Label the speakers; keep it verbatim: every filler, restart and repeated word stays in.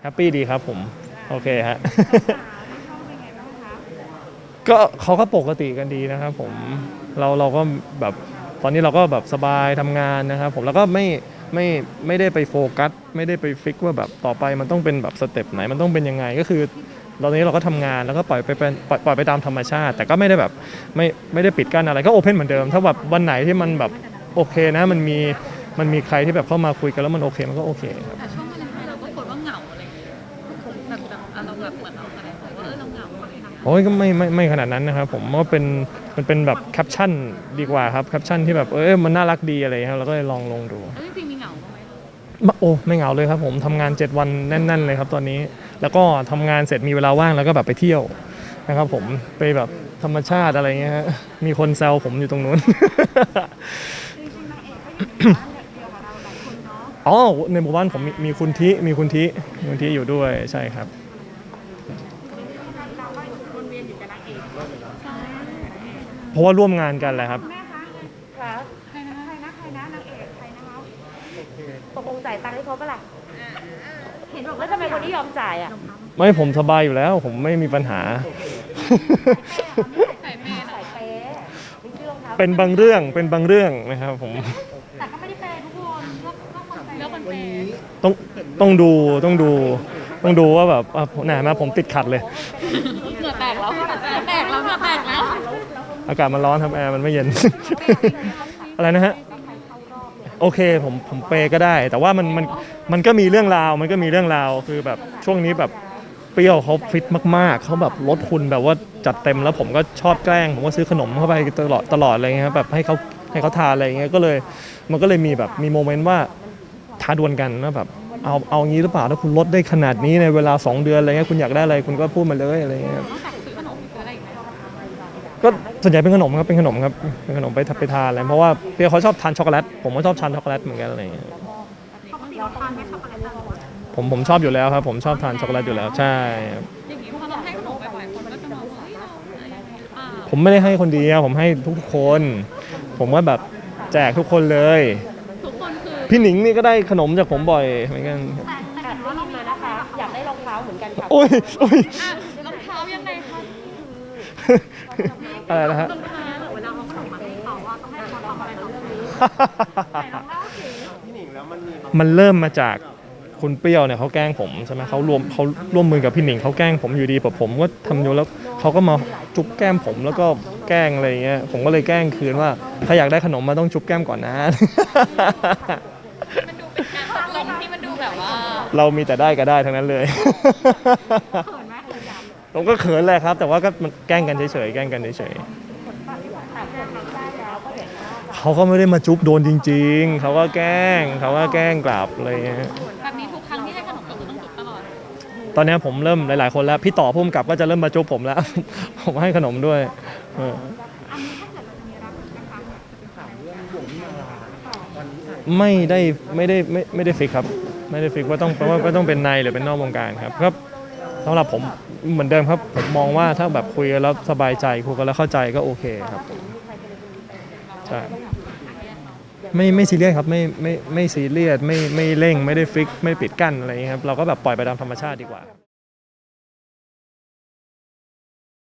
Speaker 1: แฮปปี้ดีครับผมโอเคฮะก็เขาก็ปกติกันดีนะครับผมเราเราก็แบบตอนนี้เราก็แบบสบายทำงานนะครับผมแล้วก็ไม่ไม่ไม่ได้ไปโฟกัสไม่ได้ไปฟิกว่าแบบต่อไปมันต้องเป็นแบบสเต็ปไหนมันต้องเป็นยังไงก็คือตอนนี้เราก็ทำงานแล้วก็ปล่อยไปเป็นปล่อยปล่อยไปตามธรรมชาติแต่ก็ไม่ได้แบบไม่ไม่ได้ปิดกั้นอะไรก็โอเพนเหมือนเดิมถ้าแบบวันไหนที่มันแบบโอเคนะมันมีมันมีใครที่แบบเข้ามาคุยกันแล้วมันโอเคมันก็โอเคครับ
Speaker 2: แต่ช่วงวาเลนไทน์เราก็คนว่าเหงาอะไรอย่างเงี้ยแบบแบบเราแบบเหมือนเราอะไรบอกว่าเออเราเหงาอะไรอย่างเงี้ย
Speaker 1: โอ้ยก็ไม่ไม่ไม่ขนาดนั้นนะครับผมว่าเป็นมันเป็นแบบแคปชั่นดีกว่าครับแคปชั่นที่แบบเออมันน่ารักดีอะไรครับเราก็เลยลองลงดู
Speaker 2: แล้วจริงๆมีเหงาบ้างไหม
Speaker 1: โอ้ไม่เหงาเลยครับผมทำงานเจ็ดวันแน่นๆเลยครับตอนนี้แล้วก็ทำงานเสร็จมีเวลาว่างแล้วก็แบบไปเที่ยวนะครับผมไปแบบธรรมชาติอะไรเงี้ยฮะมีคนแซวผมอยู่ตรงนู้นอ๋อในหมู่บ้านผมมีมีคุณทิมีคุณทิมีคุณทิอยู่ด้วยใช่ครับเพราะว่าร่วมงานกันแหละครับ
Speaker 3: ค่ะใครนะใครนะใครนะนางเอกใครนะคะตกลงจ่ายตังค์ให้เขาปะล่ะเห็นบอกว่าทำไมคนที่ยอมจ่ายอ่ะ
Speaker 1: ไม่ผมสบายอยู่แล้วผมไม่มีปัญหา
Speaker 2: ใส่เมย์
Speaker 3: ใส่เป๊ะมีชื่อรองเท้า
Speaker 1: เป็นบางเรื่องเป็นบางเรื่องนะครับผม
Speaker 3: แต่ก็ไม่ได้เป๊ะทุกคนเลือกเลือกคนเป๊ะ
Speaker 2: เลือกคนเปย์
Speaker 1: ต้องต้องดูต้องดูต้องดูว่าแบบไหนมาผมติดขัดเลย
Speaker 2: เหงื่อแตกแล้วเหงื่อแตกแล้วเหงื่อแตกแล้ว
Speaker 1: อากาศมันร้อนครับแอร์มันไม่เย็น อะไรนะฮะโอเคผมผมเปย์ก็ได้ แต่ว่ามันมันมันก็มีเรื่องราวมันก็มีเรื่องราวคือแบบช่วงนี้แบบเปรี้ยวเขาฟิตมากๆเขาแบบลดหุ่นแบบว่าจัดเต็มแล้วผมก็ชอบแกล้งผมก็ซื้อขนมเข้าไปตลอดตลอดอะไรเงี้ยครับแบบให้เขาให้เขาทานอะไรเงี้ยก็เลยมันก็เลยมีแบบมีโมเมนต์ว่าท้าดวลกันว่าแบบเอาเอางี้หรือเปล่าถ้าคุณลดได้ขนาดนี้ในเวลาสองเดือนอะไรเงี้ยคุณอยากได้อะไรคุณก็พูดมาเลยอะไรเงี้ย
Speaker 2: นอกจากซื้อขนมซื้ออะไรอีกไหม
Speaker 1: ก็ส่วนใหญ่เป็นขนมครับเป็นขนมครับเป็นขนมไปไปทานอะไรเพราะว่าเพี่เขาชอบทานช็อกโกแลตผมก็ชอบทานช็อกโกแลตเหมือนกันอะไรอย่างเงี้ยผมผมชอบอยู่แล้วครับผมชอบทานช็อกโกแลตอยู่แล้วใช่
Speaker 2: อย่างนี้พอเราให้ขนมบ่อยๆคนก็จะมองว่าเฮ้ยเราอะไรอย่างเงี้ยอ่า
Speaker 1: ผมไม่ได้ให้คนเดียวผมให้ทุกๆคน ผมว่าแบบแจกทุกคนเลย
Speaker 2: ทุกคนคือ
Speaker 1: พี่หนิงนี่ก็ได้ขนมจากผมบ่อยเหมือนกันครับ
Speaker 3: แต่แต่ว่าเรามานะคะอยากได้รองเท้าเหมือนกันค่ะ
Speaker 1: โอ้ยโอ้ย
Speaker 2: อ่ะรองเท้ายังไงคะ
Speaker 1: อะไรนะฮะ
Speaker 2: รองเท้าเวลาเอาขนมมาให้เขาว่าต้องให้เขาทำอะไรกับเรื่องนี้ไหนลองเล่าสิ
Speaker 1: มันเริ่มมาจากคุณเปรี้ยวเนี่ยเขาแกล้งผมใช่ไหมเขารวมเขาร่วมมือกับพี่หนิงเขาแกล้งผมอยู่ดีแบบผมก็ทำอยู่แล้วเขาก็มาจุ๊บแก้มผมแล้วก็แกล้งอะไรอย่างเงี้ยผมก็เลยแกล้งคืนว่าถ้าอยากได้ขนมมาต้องจุ๊บแก้มก่อนนะ
Speaker 2: มันดูเป็นการตกลงที่มันดูแบบว่า
Speaker 1: เรามีแต่ได้ก็ได้ทั้งนั้นเลย
Speaker 3: เขินไหมเขินย
Speaker 1: ผมก็เขินแหละครับ แต่ว่าก็มันแกล้งกันเฉยๆแกล้งกันเฉย
Speaker 3: ำแต่คนทำได้แล้วก็เห็นว่า
Speaker 1: ๆเขาก็ไม่ได้มาจุ๊บโดนจริงๆเขาก็แกล้งเขาก็แกล้งกลับอะไรเงี้ย
Speaker 2: แบบนี้ทุกครั้งที่ให้ขนมก็คือต้องจุดตลอด
Speaker 1: ตอนนี้ผมเริ่มหลายๆคนแล้วพี่ต่อพุ่มกับก็จะเริ่มมาจุ๊บผมแล้ว ผมให้ขนมด้วยเออไม่ได้ไม่ได้ไม่ไม่ได้ฟิกครับไม่ได้ฟิกว่าต้องว่าว่าต้องเป็นในหรือเป็นนอกวงการครับครับสำหรับผมเหมือนเดิมครับผมมองว่าถ้าแบบคุยกันแล้วสบายใจคุยกันแล้วเข้าใจก็โอเคครับผมใช่ไม่ไม่ซีเรียสครับไม่ไม่ไม่ซีเรียสไม่ไม่เร่งไม่ได้ฟิกไม่ปิดกั้นอะไรอย่างเงี้ยครับเราก็แบบปล่อยไปตามธรรมชาติดีกว่า